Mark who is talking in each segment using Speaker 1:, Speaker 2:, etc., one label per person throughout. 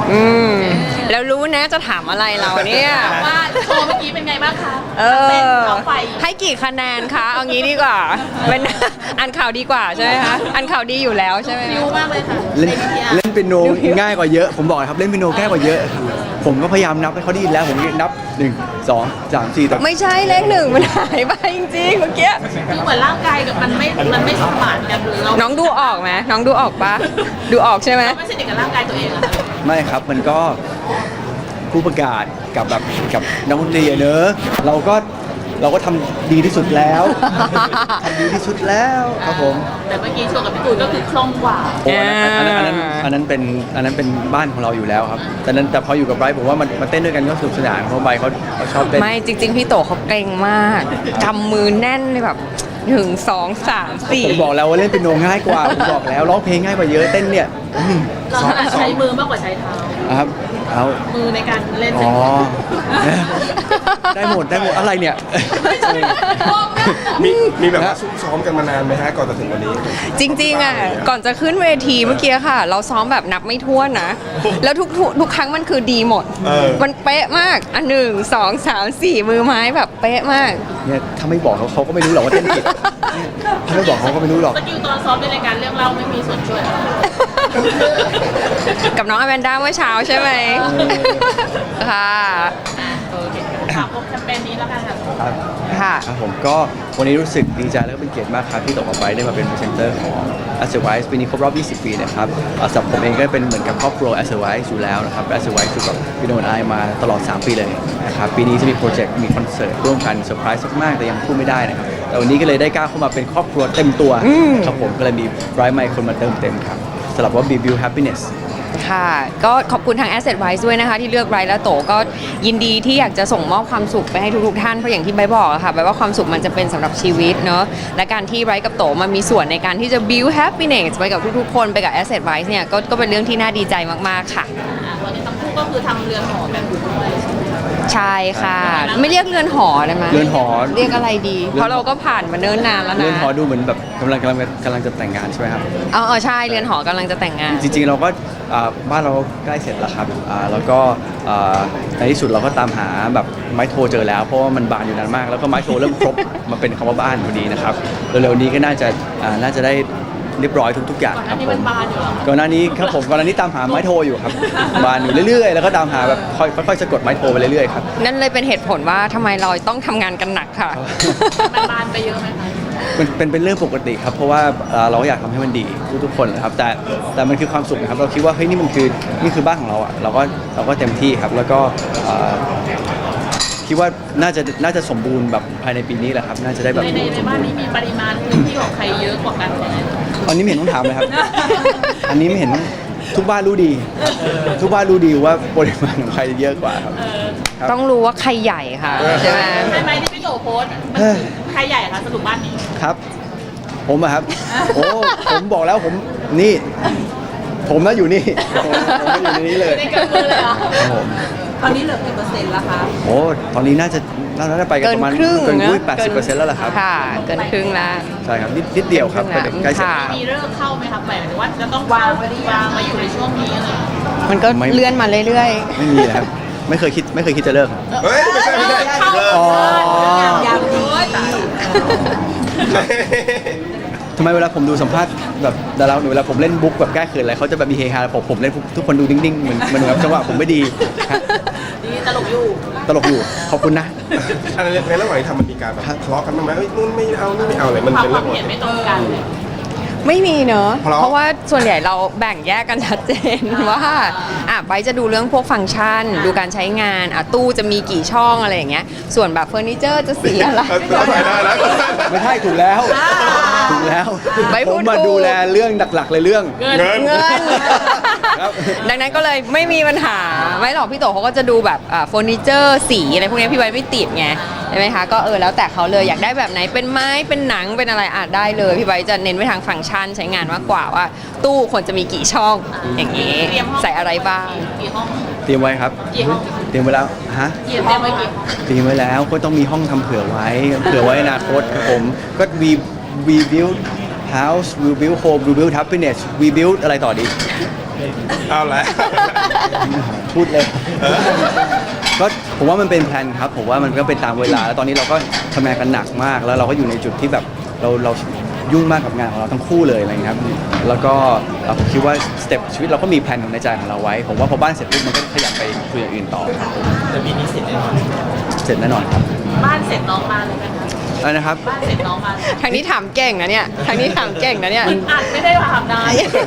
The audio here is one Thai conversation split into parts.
Speaker 1: อืมแล้วรู้นะจะถามอะไรเราเนี่ย
Speaker 2: ว่าโชว์เมื่อกี้เป็นไงบ้างคะ
Speaker 1: เอ
Speaker 2: เต้น
Speaker 1: อ
Speaker 2: เขาไฟ
Speaker 1: ให้กี่คะแนนคะเอางี้ดีกว่าเป็นอ่านข่าวดีกว่าใช่ไหมคะอ่านข่าวดีอยู่แล้วใช่ไหม
Speaker 2: ฟิวมากเลยค่ะ
Speaker 3: เล่น
Speaker 2: ในวิทยา
Speaker 3: เล่นเปียโนง่ายกว่าเยอะ ผมบอกเลยครับเล่นเปียโนง่ายกว่าเยอะครับผมก็พยายามนับให้เขาได้ยินแล้วผมนับ1 2 3 4แต่
Speaker 1: ไม่ใช่เลขหนึ่งมันหายไปจริงๆเมื่อกี้
Speaker 2: คือเหมือนร่างกายกับมันไม่สมานกันหรือเรา
Speaker 1: น้องดูออกไหมน้องดูออกปะดูออกใช่ไหม
Speaker 2: เราไม่สนิทกับร่างกายตัวเองอะค่ะ
Speaker 3: ไม่ครับมันก็ผู้ประกาศกับแบบกับนักดนตรีอะเนอะเราก็ทำดีที่สุดแล้วทำดีที่สุดแล้วครับผม
Speaker 2: แต่เมื่อกี้โชว์กับพี่ตูนก็คือคล่องกว่า
Speaker 3: โอ้อันนั้นเป็นบ้านของเราอยู่แล้วครับแต่พออยู่กับไบรท์ผมว่ามันเต้นด้วยกันก็สนุกสนานเพราะไบรท์เขาชอบเต้น
Speaker 1: ไม่จริง ๆ พี่โตเขาเกรงมากกำมือแน่นเลยแบบ1 2 3 4
Speaker 3: ผมบอกแล้วว่าเล่นเปียโนง่ายกว่าผมบอกแล้วร้องเพลงง่ายกว่าเยอะเต้นเนี่ย
Speaker 2: เราถนัดใช้มือมากกว่าใช้เท้า
Speaker 3: ครับเอา
Speaker 2: มือในการเล่น
Speaker 3: อ๋อได้หมดอะไรเนี่ย
Speaker 4: มีแบบว่าซุ่มซ้อมกันมานานไหมฮะก่อนจะถึงวันนี้
Speaker 1: จริงๆอ่ะก่อนจะขึ้นเวทีเมื่อกี้ค่ะ เราซ้อมแบบนับไม่ถ้วนนะ แล้วทุกครั้งมันคือดีหมด มันเป๊ะมากอัน1 2 3 4 มือไม้แบบเป๊ะมาก
Speaker 3: เนี่ยถ้าไม่บอกเขาก็ไม่รู้หรอกว่าเต้นผิดถ้าไม่บอกเขาก็ไม่รู้หรอก
Speaker 2: สกิลตอนซ้อมในรายการเรื่องเล่าไม่มีส่วนช่วยอะไร
Speaker 1: กับน้องอแมนด้าเมื่อเช้าใช่ไหมค่ะ
Speaker 2: โอเคฝากพบแคมเปญนี้แล้วกันค่ะ
Speaker 3: ครับ
Speaker 1: ค่ะ
Speaker 3: ครับผมก็วันนี้รู้สึกดีใจแล้วก็เป็นเกียรติมากครับที่ตกออกไปได้มาเป็นพรีเซนเตอร์ของ a s s e r w i s e ปีนี้ครบรอบ 20 ปีนะครับสำหรับผมเองก็เป็นเหมือนกับครอบครัว a s s e r w i s e อยู่แล้วนะครับ a s s e r w i s e อยู่กับพี่โนนไอมาตลอด 3 ปีเลยนะครับปีนี้จะมีโปรเจกต์มีคอนเสิร์ตร่วมกันเซอร์ไพรส์มากๆแต่ยังพูดไม่ได้นะครับแต่วันนี้ก็เลยได้ก้าวเข้ามาเป็นครอบครัวเต็มตัวครับผมก็เลยมีไบรท์ไมค์คนมาเติมเต็มครับสำหรับว่า Build Happiness
Speaker 1: ค่ะ ก็ขอบคุณทาง Asset Wise ด้วยนะคะ ที่เลือกไบรท์และโตก็ยินดีที่อยากจะส่งมอบความสุขไปให้ทุกๆท่าน เพราะอย่างที่ไบร์ทบอกอะค่ะไบร์ทว่าความสุขมันจะเป็นสำหรับชีวิตเนาะและการที่ไบรท์กับโตมามีส่วนในการที่จะ build happiness ไปกับทุกๆคนไปกับ Asset Wise เนี่ยก็เป็นเรื่องที่น่าดีใจมากๆค่ะ
Speaker 2: วันนี้ทั้งคู่ก็คือทำเรือนหอกันอยู่ด้วย
Speaker 1: ใช่ค่ะ ไม่เรียกเรือนหอได้ไหม
Speaker 3: เรือนหอ
Speaker 1: เรียกอะไรดี เพราะเราก็ผ่านมาเนิ่นนานแล้วนะ
Speaker 3: เรือนหอดูเหมือนแบบกำลังจะแต่งงานใช่ไหมครับ
Speaker 1: ใช่เรือนหอกำลังจะแต่งงาน
Speaker 3: จริงๆเราก็บ้านเราใกล้เสร็จแล้วครับแล้วก็ในที่สุดเราก็ตามหาแบบไม้โทรเจอแล้วเพราะว่ามันบานอยู่นานมาก แล้วก็ไม้โทรเริ่มครบ มาเป็นคำว่าบ้านพอดีนะครับเร็วๆนี้ก็น่าจะได้เรียบร้อยทุกอย่าง
Speaker 2: ก่อนห
Speaker 3: ค
Speaker 2: น้า
Speaker 3: รับ
Speaker 2: นี้
Speaker 3: ผ
Speaker 2: มั
Speaker 3: ม
Speaker 2: นบานอยู่แล้ว
Speaker 3: ก่อนหน้านี้ครับผมก่อนหน้านี้ตามหาไม้โทรอยู่ครับบานอยู่เรื่อยๆแล้วก็ตามหาแบบค่อยๆสะกดไม้โทรไปเรื่อยๆครับ
Speaker 1: นั่นเลยเป็นเหตุผลว่าทำไมเราต้องทำงานกันหนักค่ะ
Speaker 2: มันบานไปเยอะไหมคะ
Speaker 3: เป็นเรื่องปกติครับเพราะว่าเราก็อยากทำให้มันดีทุกคนนะครับแต่มันคือความสุขนะครับเราคิดว่าเฮ้ยนี่คือบ้านของเราอ่ะเราก็เต็มที่ครับแล้วก็คิดว่าน่าจะสมบูรณ์แบบภายในปีนี้แหละครับน่าจะได้แบบ
Speaker 2: ในบ้านนี้มีปริมาณพื้นที่ของใครเยอะกว่ากันไหม
Speaker 3: ตอนนี้ไม่เห็นต้องถามเลยครับ อันนี้ไม่เห็นทุกบ้านรู้ดี ทุกบ้านรู้ดีว่าปริมาณของใครเยอะกว่าครับ ครับ
Speaker 1: ต้องรู้ว่าใครใหญ่ค่ะใช่ไหม
Speaker 2: ใช่ไหมที่พี่โตโพสต์มันคือใครใหญ่คะสรุปบ้านนี้
Speaker 3: ครับ ผมอะครับ โอ้ผมบอกแล้วนี่ ผมน่ะอยู่นี่ผมน่ะอยู่ในนี้เลย
Speaker 2: ในกำมือเลยเหรอ
Speaker 3: ครับผม
Speaker 2: ตอนนี้เหลือกี่เปอร์เซ็นต์ละคะ
Speaker 3: โอ้ตอนนี้น่าจะไปกัน
Speaker 1: เกิน
Speaker 3: ประมาณ
Speaker 1: ครึ่ง
Speaker 3: เกิน
Speaker 1: นะ
Speaker 3: 80%แล้วล่ะครับ
Speaker 1: ค่ะ เกินครึ่งแล้ว
Speaker 3: ใช่ครับนิดเดียวครับ
Speaker 1: ครึ่งละ
Speaker 3: ใกล้เสร็จ
Speaker 1: ค่ะ
Speaker 3: ครับ
Speaker 2: มีเลิกเข้าไหมครับหมายถึงว่าจะต้องวางมาอยู่ในช่วงนี้อะไร
Speaker 1: มันก็
Speaker 3: ไม่
Speaker 1: เลื่อนมาเรื่อย
Speaker 3: ไม่มีเลยครับไม่เคยคิดจะเลิกครับ
Speaker 4: เฮ้ย ไม่ใช่
Speaker 2: เข้า
Speaker 3: อ๋อ
Speaker 2: ยาวดีตาย
Speaker 3: ทำไมเวลาผมดูสัมภาษณ์แบบดาราเวลาผมเล่นบุ๊กแบบแก้เขินอะไรเขาจะแบบมีเฮฮาผมเล่นทุกคนดูนิ่งๆเหมือนแบบจังหวะผมไม่ดีฮะ
Speaker 2: ดีตลกอยู่
Speaker 3: ตลกอยู่ขอบคุณนะ
Speaker 4: อันนี้ในระหว่างที่ทำมันมีการแบบทะเลาะกันบ้างไหมเฮ้ยนู่นไม่เอานี่ไม่เอาอะไรมัน
Speaker 2: ความ
Speaker 4: เป็น
Speaker 2: ค
Speaker 4: เรื่
Speaker 2: วา
Speaker 4: อ
Speaker 2: ม
Speaker 4: งปก
Speaker 2: เห็น
Speaker 4: ติ
Speaker 2: ไม่ตรงกันเลย
Speaker 1: ๆ ไม่มีเนอะ
Speaker 4: เพราะ
Speaker 1: เพราะว่าส่วนใหญ่เราแบ่งแยกกันชัดเจน ว่าไบร์ทจะดูเรื่องพวกฟังก์ชัน ดูการใช้งานตู้จะมีกี่ช่องอะไรอย่างเงี้ยส่วนแบบเฟอร์นิเจอร์จะสีอะไร
Speaker 4: เข้าใจได้แล้ว
Speaker 3: ไม่ใช่ถูกแล้วถูกแล้ว
Speaker 1: ไม่พู
Speaker 3: ผ
Speaker 1: ด
Speaker 3: มมา
Speaker 1: ถูก
Speaker 3: ดูแลเรื่องหลักๆเลยเรื่อง
Speaker 4: เงิน
Speaker 1: เงิน
Speaker 3: ครับ
Speaker 1: ดังนั้นก็เลยไม่มีปัญหาไม่หรอกพี่โตเขาก็จะดูแบบเฟอร์นิเจอร์สีอะไรพวกนี้พี่ไว้ไม่ติดไงใช่ไหมคะก็แล้วแต่เขาเลยอยากได้แบบไหนเป็นไม้เป็นหนังเป็นอะไรได้เลยพี่ไว้จะเน้นไปทางฟังก์ชันใช้งานมากกว่าว่า ตู้ควรจะมีกี่ช่องอย่างนี้
Speaker 2: เตรียมห้อง
Speaker 1: ใส่อะไรบ้าง
Speaker 2: กี่ห้อง
Speaker 3: เตรียมไว้ครับ
Speaker 2: กี่ห้อง
Speaker 3: เตรียมไว้แล้วฮะ
Speaker 2: เตรียมไว้กี่ห้อง
Speaker 3: เตรียมไว้แล้วก็ต้องมีห้องทำเผื่อไว้อนาคตครับผมก็ we build house we build home we build happiness we build อะไรต่อดี
Speaker 4: เอาละ
Speaker 3: พูดเลย ก็ผมว่ามันเป็นแพลนครับผมว่ามันก็เป็นตามเวลาแล้วตอนนี้เราก็ทำงานกันหนักมาก แล้วเราก็อยู่ในจุดที่แบบเรายุ่งมากกับงานของเราทั้งคู่เลยอะไรอย่างเงี้ยครับแล้วก็ผมคิดว่าสเต็ปชีวิตเราก็มีแพลนของในใจของเราไว้ผมว่าพอบ้านเสร็จปุ๊บมันก็ขยับไปคุยอย่างอื่นต่อ
Speaker 2: แต่ปีนี้เสร็จแน่นอน
Speaker 3: เสร็จแน่นอนครับ
Speaker 2: บ้านเสร็จน้องมาเลยไหมคะ
Speaker 3: อะไรนะครับ
Speaker 2: บ้านเสร็จน้องมาเลย
Speaker 1: ทางนี้ถามเก่งนะเนี่ยทางนี้ถามเก่งนะเนี่ย
Speaker 2: อัดไม่ได้ถามนาย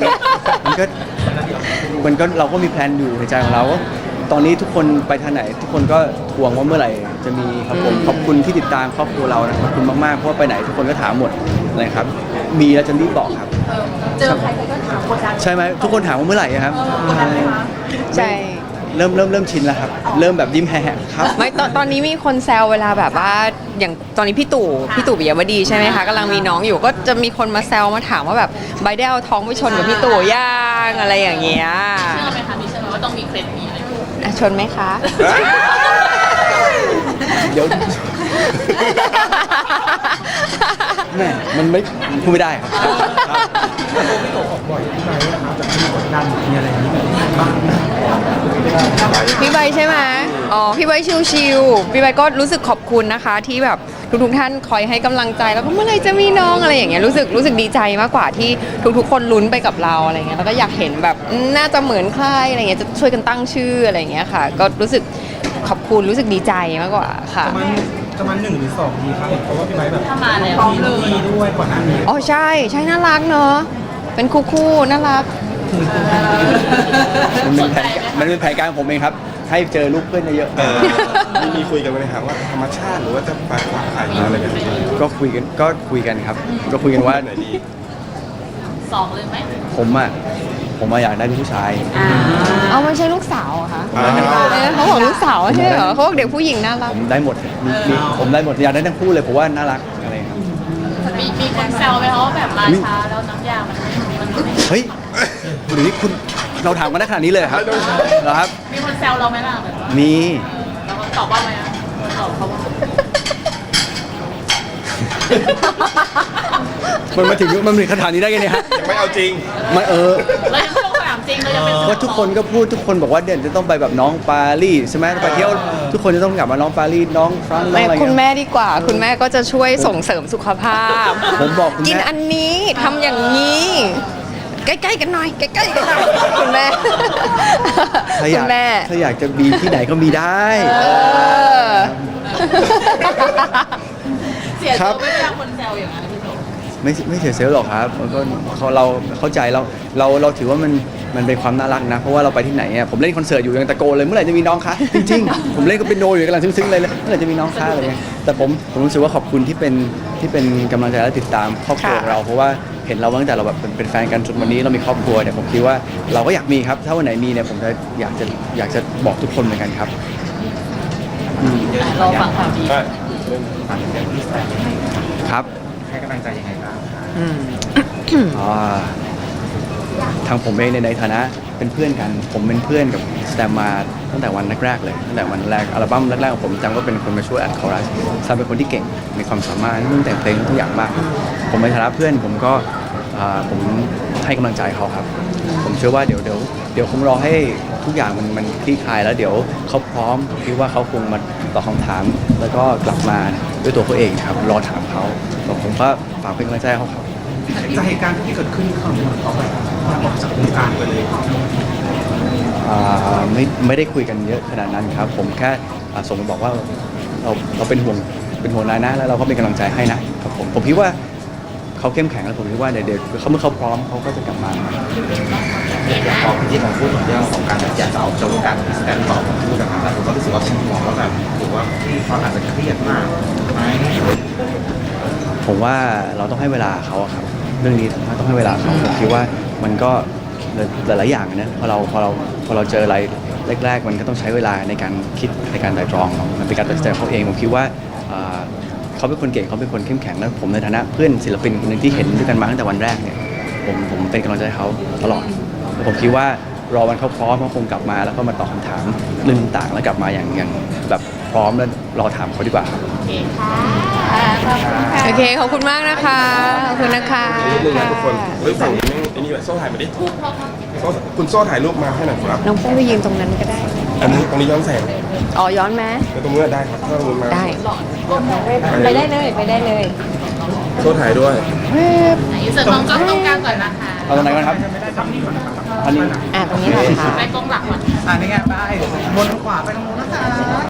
Speaker 3: มันก็เราก็มีแพลนอยู่ในใจของเราว่าตอนนี้ทุกคนไปทางไหน ทุกคนก็ทวงว่าเมื่อไหร่จะมีครับผมขอบคุณที่ติดตามครอบครัวเรานะขอบคุณมากๆเพราะว่าไปไหนทุกคนก็ถามหมดนะครับมีแล้วจะรีบบอกครับ
Speaker 2: เจอใครก็ถามกดดัน
Speaker 3: ใช่ไหมทุกคนถามว่าเมื่อไหร่อะครับ
Speaker 2: กดดันไหมคะ
Speaker 1: ใช่
Speaker 3: เริ่มชินแล้วครับเริ่มแบบยิ้มแหกครับ
Speaker 1: ไม่ตอนนี้มีคนแซวเวลาแบบว่าอย่างตอนนี้พี่ตู่ปิยวดีใช่ไหมคะกำลังมีน้องอยู่ก็จะมีคนมาแซวมาถามว่าแบบใบได้เอาท้องไปชนกับพี่ตู่ย่างอะไรอย่างเงี้ย
Speaker 2: เชื่อไหมคะมีเชื่อไหมว่าต้องมีเคล็ดมีอะไร
Speaker 1: อ่ะชนไหมคะ
Speaker 3: เดี๋ยวแม่มันไม่พูดไม่ได้ครับ
Speaker 1: พี่ใบใช่ไหมอ๋อ พี่ใบชิวๆพี่ใบก็รู้สึกขอบคุณนะคะ ที่แบบทุกๆท่านคอยให้กำลังใจแล้วก็เมื่อไหรจะมีน้องอะไรอย่างเงี้ยรู้สึกดีใจมากกว่าที่ทุกๆคนลุ้นไปกับเราอะไรเงี้ยแล้วก็อยากเห็นแบบน่าจะเหมือนใครอะไรเงี้ยจะช่วยกันตั้งชื่ออะไรเงี้ยค่ะ ก็รู้สึกขอบคุณรู้สึกดีใจมากกว่าค่ะ
Speaker 5: ประมาณ1 หรือ 2 ดีครับเพราะว่าพี่ไบร์ทแบบ
Speaker 2: ถ้ามาแล้ว
Speaker 5: มีดีด้วยก่อนหน้านี้
Speaker 1: อ๋อใช่น่ารักเนอะเป็นคู่น่ารัก
Speaker 3: มันเป็นแผนการของผมเองครับ ให้เจอลูกเพื่อนเยอะ
Speaker 4: มีคุยกันไหมครับว่าธรรมชาติหรือว่าจะไปฝากใครอะไรแบบนี้
Speaker 3: ๆก็คุยกันครับ ก็คุยกันว่า
Speaker 4: ไหนดี
Speaker 2: สองเลยไหม
Speaker 3: ผมอยากได้ผู้ชาย
Speaker 1: เอาไม่ใช่ลูกสาวเหรอคะ
Speaker 4: อ้าว
Speaker 1: เขาบอกลูกสาวใช่เหรอเขาบอกเด็กผู้หญิงน่ารัก
Speaker 3: ผมได้หมดผมได้หมดอยากได้ทั้งคู่เลยผมว่าน่ารักอะไรครับ
Speaker 2: มีคนแซวไหมคะว่าแบบมาช้าแล้วน้ำยามันไม่
Speaker 3: เฮ้ยหรือคุณเราถามกันได้ขนาดนี้เลยเหรอครับเหรอครับ
Speaker 2: มีคนแซวเราไหมล่ะแบบว่า
Speaker 3: มี
Speaker 2: แล้วเขาตอบว่าไหมอ่ะตอบเขาว่า
Speaker 3: มันมาถึงขนาดนี้ได้ไงเนี่ยฮะ
Speaker 4: ยังไม่เอาจริง
Speaker 3: มัน
Speaker 2: เรายังไม่ลงสนามจริงเรายังเป็น
Speaker 3: ก็ทุกคนก็พูดทุกคนบอกว่าเด่นจะต้องไปแบบน้องปารีสใช่ไหมไปเที่ยวทุกคนจะต้องกลับมาน้องปารีสน้องฟรานซ์น้องอะไร
Speaker 1: คุณ
Speaker 3: เงี้ย
Speaker 1: แม่ดีกว่า คุณแม่ก็จะช่วยส่งเสริมสุขภาพ
Speaker 3: ผมบอกคุณแม่
Speaker 1: กินอันนี้ทำอย่างนี้ ใกล้ๆกันหน่อยใกล้ๆกันหน่อยคุณแม่
Speaker 3: ถ้าอ
Speaker 1: คุ
Speaker 3: ยาก
Speaker 1: ณแม่
Speaker 3: ถ้าอยากจะมีที่ไหนก็มีได้
Speaker 1: เออ
Speaker 2: เสียตัวไม่ได้คนแซวอย่างนั้นพี่โต
Speaker 3: ไม่เสียเซลล์หรอกครับมันก็เราเข้าใจเราถือว่ามันเป็นความน่ารักนะ เพราะว่าเราไปที่ไหนอ่ะผมเล่นคอนเสิร์ตอยู่ยังตะโกนเลยเมื่อไหร่จะมีน้องคะจริงๆ ผมเล่นก็เป็นโนอยู่กำลังซึ้งๆเลยเมื่อไหร่จะมีน้องคะอะไรเงี้ยแต่ผมรู้สึกว่าขอบคุณที่เป็นกำลังใจและติดตามครอบครัวของเราเพราะว่าเห็นเราตั้งแต่เราแบบเป็นแฟนกันจนวันนี้เรามีครอบครัวเนี่ยผมคิดว่าเราก็อยากมีครับ ถ้าวันไหนมีเนี่ยผมจะอยากจะบอกทุกคนเหมือนกันครับ
Speaker 2: เราฟังข่าวดี
Speaker 4: ใช่
Speaker 3: ครับ
Speaker 5: ให้กำลังใจยังไงบ้าง
Speaker 3: อ่าทางผมเองในฐานะเป็นเพื่อนกัน ผมเป็นเพื่อนกับสแตมมาตั้งแต่วันแรกๆเลยตั้งแต่วันแรกอัลบั้มแรกๆของผมจำก็เป็นคนมาช่วยอัดคอรัสแซมเป็นคนที่เก่งมีความสามารถเรื่องแต่งเพลงทุกอย่างมาก ผมในฐานะเพื่อนผมก็ผมให้กำลังใจเขาครับ ผมเชื่อว่าเดี๋ยวคงรอให้ทุกอย่างมันคลี่คลายแล้วเดี๋ยวเขาพร้อมคิดว่าเขาคงมาตอบคำถาม แล้วก็กลับมาด้วยตัวเขาเองครับรอถามเขาผมก็ฝากเป็นกำลังใจให้เขาครับ
Speaker 5: จากเหตุการณ์ที่เกิดขึ้นเขาเหมือนเขาแบบออกจากวงการไปเลย
Speaker 3: ไม่ได้คุยกันเยอะขนาดนั้นครับ ผมแค่ส่งมาบอกว่าเราเป็นห่วงนายนะแล้วเราก็เป็นกำลังใจให้นะครับผมคิดว่าเขาเข้มแข็งแล้วผมคิดว่าเดี๋ยวเขาเมื่อเขาพร้อมเขาก็จะกลับมา
Speaker 6: อย่างพอพี่ผมพูดถึงเรื่องของการอยากจะเอาจะวงการพิสแตนต่อผมพูดนะครับแล้วผมก็รู้สึกว่าผมมองว่าแบบถือว่าพี่เขาอาจจะเครียดมากไหม
Speaker 3: ผมว่าเราต้องให้เวลาเขาอะครับเรื่องนี้ต้องให้เวลาเขาผมคิดว่ามันก็หลายๆอย่างนะพอเราเจออะไรแรกๆมันก็ต้องใช้เวลาในการคิดในการไตร่ตรองมันเป็นการตัดสินใจของเขาเองผมคิดว่าเขาเป็นคนเก่งเขาเป็นคนเข้มแข็งแล้วผมในฐานะเพื่อนศิลปินคนหนึ่งที่เห็นด้วยกันมาตั้งแต่วันแรกเนี่ยผมเป็นกำลังใจให้เขาตลอดแล้วผมคิดว่ารอวันเขาพร้อมเขาคงกลับมาแล้วก็มาตอบคำถามเรื่องต่างๆแล้วกลับมาอย่างแบบพร้อมแล้วรอถามเขาดีกว่าครับ
Speaker 2: โอเคค่ะขอบคุณค่ะ
Speaker 1: โอเคขอบคุณมากนะคะขอบคุณนะคะ
Speaker 4: นิดนึงนะทุกคนเฮ้ยฝั่งนี้แม่งไอ้นี่แหละโซ่ถ่ายมาดิโซ่คุณโซ่ถ่ายรูปมาให้หน่อยครับ
Speaker 1: น้องโป้ไปยืนตรงนั้นก็ได้
Speaker 4: อันนี้ตรงนี้ย้อนแสง
Speaker 1: อ๋อย้อนไหม
Speaker 4: แล้วตรงนี้ได้ครับถ้าลงมา
Speaker 1: ได้ ไปได้เลยไปได้เลย
Speaker 4: โซ่ถ่ายด้วย
Speaker 2: อินเสิร์ตน้องกล้องตรงกลางก่อนนะคะ
Speaker 3: เอาตรงไหนก่อนครับอันนี้
Speaker 1: ตรงนี้เหรอคะ
Speaker 2: ไปกล้องหลักก่อน
Speaker 5: นี่ไงไปบนขวาไปตรงนู้นนะคะ